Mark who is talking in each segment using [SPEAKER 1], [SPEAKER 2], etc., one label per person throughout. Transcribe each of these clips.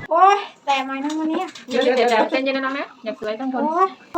[SPEAKER 1] โอ้ยแต่ไหมนะวันนี้
[SPEAKER 2] เดี๋ยวใจเย็นนะน้องนะอย่าสวยต้องทน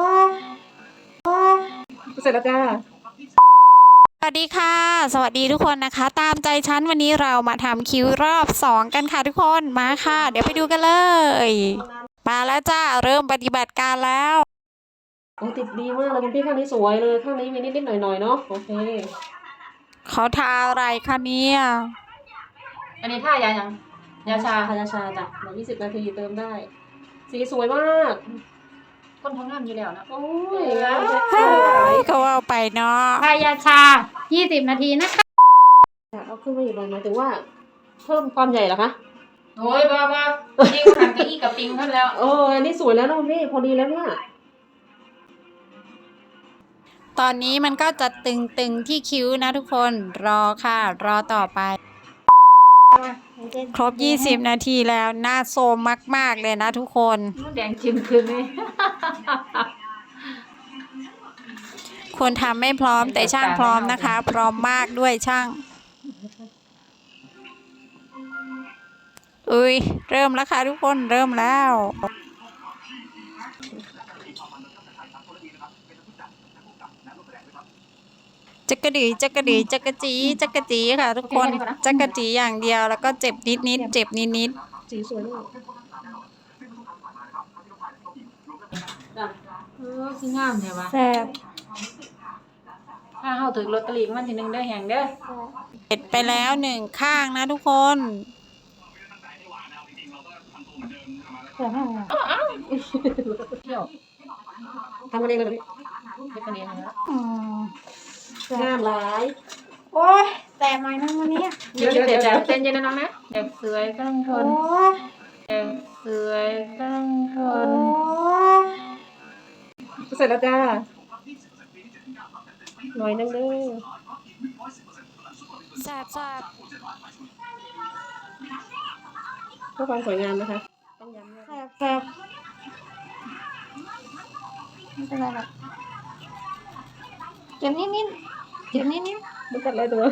[SPEAKER 2] เสร็จแล้วจ้า
[SPEAKER 1] สวัสดีค่ะสวัสดีทุกคนนะคะตามใจฉันวันนี้เรามาทำคิ้วรอบ2กันค่ะทุกคนมาค่ะเดี๋ยวไปดูกันเลยมาแล้วจ้าเริ่มปฏิบัติการแล้ว
[SPEAKER 2] โอ้ติดดีมากเลยคุณพี่ข้างนี้สวยเลยข้างนี้มีนิดๆหน่อยๆเนาะโอเค
[SPEAKER 1] เขาทาอะไรคะเนี่ย
[SPEAKER 2] อันนี้ท่ายายังยาชาค่ะยาชาจ้ะเดี๋ยว20 นาทีเติมได้สีสวยมากคนทำงานอยู่แล้วนะโอ้ยงาม
[SPEAKER 1] เขาเอาไปเนาะ
[SPEAKER 3] ทายาชา20 นาทีนะคะ
[SPEAKER 2] เอาขึ้นมาอยู่เลยหมายถึงว่าเพิ่มความใหญ่เหรอคะ
[SPEAKER 3] โอ้ยบ้ายิ่งหันกับอีกับปิงขึ้นแล้ว
[SPEAKER 2] อันนี้สวยแล้วนะพี่พอดีแล้วเนี่ย
[SPEAKER 1] ตอนนี้มันก็จะตึงๆที่คิ้วนะทุกคนรอค่ะรอต่อไปครบ20 นาทีแล้วหน้าโซมมากๆเลยนะทุกคน
[SPEAKER 3] แดงชิมคืนเลย
[SPEAKER 1] ควรทำไม่พร้อมแต่ช่างพร้อมนะคะพร้อมมากด้วยช่างอุ้ยเริ่มแล้วค่ะทุกคนเริ่มแล้วจักกะดีจักกะดีจักกะจีจักกะจีค่ะทุกคนจักกะจีอย่างเดียวแล้วก็เจ็บนิดเจ็บนิด
[SPEAKER 2] สีสวยมาก
[SPEAKER 3] คืองามใช่ปะ
[SPEAKER 1] แซ่บ
[SPEAKER 3] ถ้าเข้าถึงลอตเตอรี่มันทีนึงได้แห่งเด้อ
[SPEAKER 1] เสร็จไปแล้ว1 ข้างนะทุกคน
[SPEAKER 3] เที่ยว
[SPEAKER 2] ทำกันเองเลย
[SPEAKER 3] เป็นกันเองนะ
[SPEAKER 2] งามหลาย
[SPEAKER 1] โอ้ยแต่ไหมนะวันนี้
[SPEAKER 3] เดี๋ยวใจเย็นนะน้องนะอยากสวยก็ต้องทนอยากสวยก็ต้องทน
[SPEAKER 2] เสร็จแล้วจ้าหน่อยนึงเด้อ
[SPEAKER 1] แซ่บแซ่บ
[SPEAKER 2] เพื่อความสวยงามนะคะต้องย้ำ
[SPEAKER 1] แซ่บแซ่บไม่เป็นไรหรอกเจ็บนิดเจ็บนิด
[SPEAKER 2] มันกัดอะไรตัว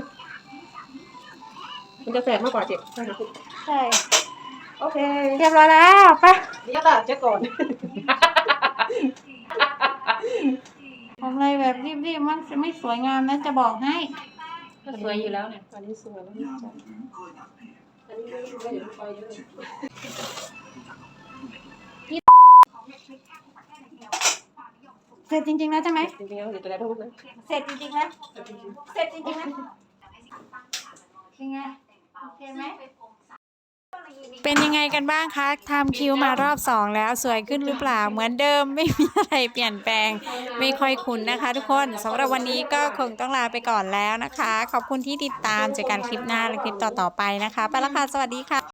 [SPEAKER 2] มันจะแสบมากกว่าเจ็บใช่ไหม
[SPEAKER 1] ใช่
[SPEAKER 2] โอเค
[SPEAKER 1] เรียบร้อยแล้วไป
[SPEAKER 2] เดี๋ยวก่อนเจ๊ก่อน
[SPEAKER 1] ทำอะไรแบบรีบๆมันไม่สวยงามนะจะบอกให้
[SPEAKER 3] ก็สวยอยู่แล้วเนี่ย
[SPEAKER 2] อันนี้สวยแล้วนี่จ้ะอันนี้ไม่เดี๋ยวไปเลย
[SPEAKER 1] เสร็จจริงๆแล้วใช่ไหม
[SPEAKER 2] จริงๆแล้วเดี๋ยวจะได้พูดนะ
[SPEAKER 1] เสร็จจริงๆนะเสร็จจริงๆนะเป็นไงโอเคไหมเป็นยังไงกันบ้างคะทำคิ้วมารอบ2แล้วสวยขึ้นหรือเปล่าเหมือนเดิมไม่มีอะไรเปลี่ยนแปลงไม่ค่อยคุ้นนะคะทุกคนสำหรับวันนี้ก็คงต้องลาไปก่อนแล้วนะคะขอบคุณที่ติดตามเจอกันคลิปหน้าและคลิปต่อๆไปนะคะไปแล้วค่ะสวัสดีค่ะ